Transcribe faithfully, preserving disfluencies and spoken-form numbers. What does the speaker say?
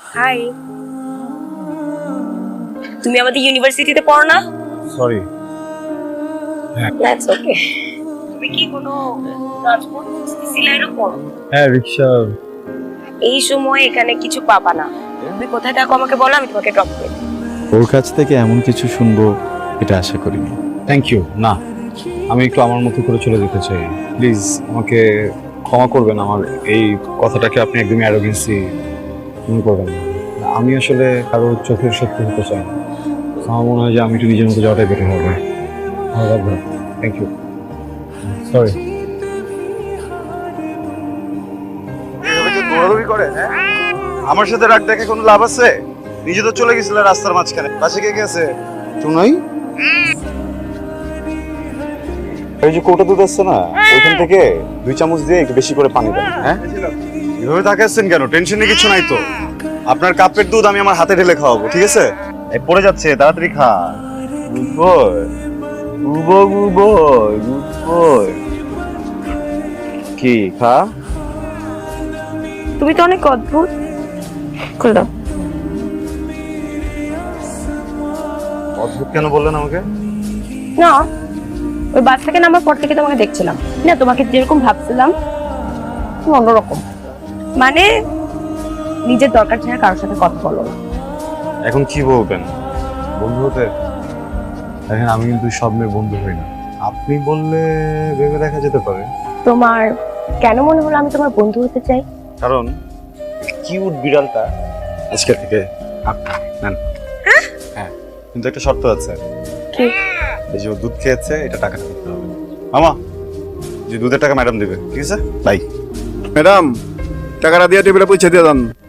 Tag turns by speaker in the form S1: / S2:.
S1: High, তুমি আমাদের ইউনিভার্সিটিতে পড়ো না?
S2: সরি।
S1: That's okay. তুমি কি কোনো ট্রান্সপোর্ট খুঁজতেছিলে এরকম?
S2: হ্যাঁ, রিক্সা।
S1: এই সময় এখানে কিছু পাবা না। তুমি কোথায় থাকো আমাকে বলো, আমি তোমাকে ড্রপ করে দেব।
S3: ওর কাছ থেকে এমন কিছু শুনবো এটা আশা করিনি।
S2: Thank you. না, আমি একটু আমার মতো করে চলে যেতে চাই। প্লিজ আমাকে ক্ষমা করবেন, আমার এই কথাটাকে আপনি একদমই অ্যারোগেন্সি মনে করবেন না। আমি আসলে কারো চোখের শত্রু হতে চাই না। আমার মনে হয় যে আমি একটু নিজের মতো যাওয়াটাই বেটার হবে। ভালো লাগবে। Thank you. সরি।
S4: দৌড়াদৌড়ি করে, হ্যাঁ? আমার সাথে রাগ দেখে কোনো লাভ আছে? নিজে তো চলে গেছিল রাস্তার মাঝখানে। পাশে কে কে আছে? চুনাই?
S2: এই যে কোটা দুধ আসছে না, ওইখান থেকে দুই চামচ দিয়ে একটু বেশি করে পানি দেন। হ্যাঁ,
S4: এভাবে তাকাচ্ছেন কেন? টেনশনে কিছু নাই তো। আপনার কাপের দুধ আমি আমার হাতে ঢেলে খাওয়াবো, ঠিক আছে? এই পড়ে যাচ্ছে, তাড়াতাড়ি খা। Good boy, good boy, good boy, good boy. কি খা?
S1: তুমি তো অনেক অদ্ভুত। খুলে দাও।
S4: অদ্ভুত কেন বললেন আমাকে?
S1: না, ওই বাস থেকে নামার পর থেকে তোমাকে দেখছিলাম না, তোমাকে যেরকম ভাবছিলাম তুমি অন্যরকম। মানে নিজের দরকার ছাড়া কারোর সাথে কথা বলো না।
S2: এখন কি বলবেন? বন্ধু হতে? দেখেন, আমি কিন্তু সব মেয়ে বন্ধু হই না। আপনি বললে ভেবে দেখা যেতে পারে।
S1: তোমার কেন মনে হলো আমি তোমার বন্ধু হতে চাই?
S2: কারণ কিউট বিড়ালটা আজকে থেকে আপনি নেন। হ্যাঁ, কিন্তু একটা শর্ত আছে।
S1: কি?
S2: এই যে ও দুধ খেয়েছে, এটা টাকা দিতে হবে। মামা, যে দুধের টাকা ম্যাডাম দিবে, ঠিক আছে? বাই।
S4: ম্যাডাম, টাকাটা দিয়ে টেবিলে পৌঁছে দিয়ে দেন।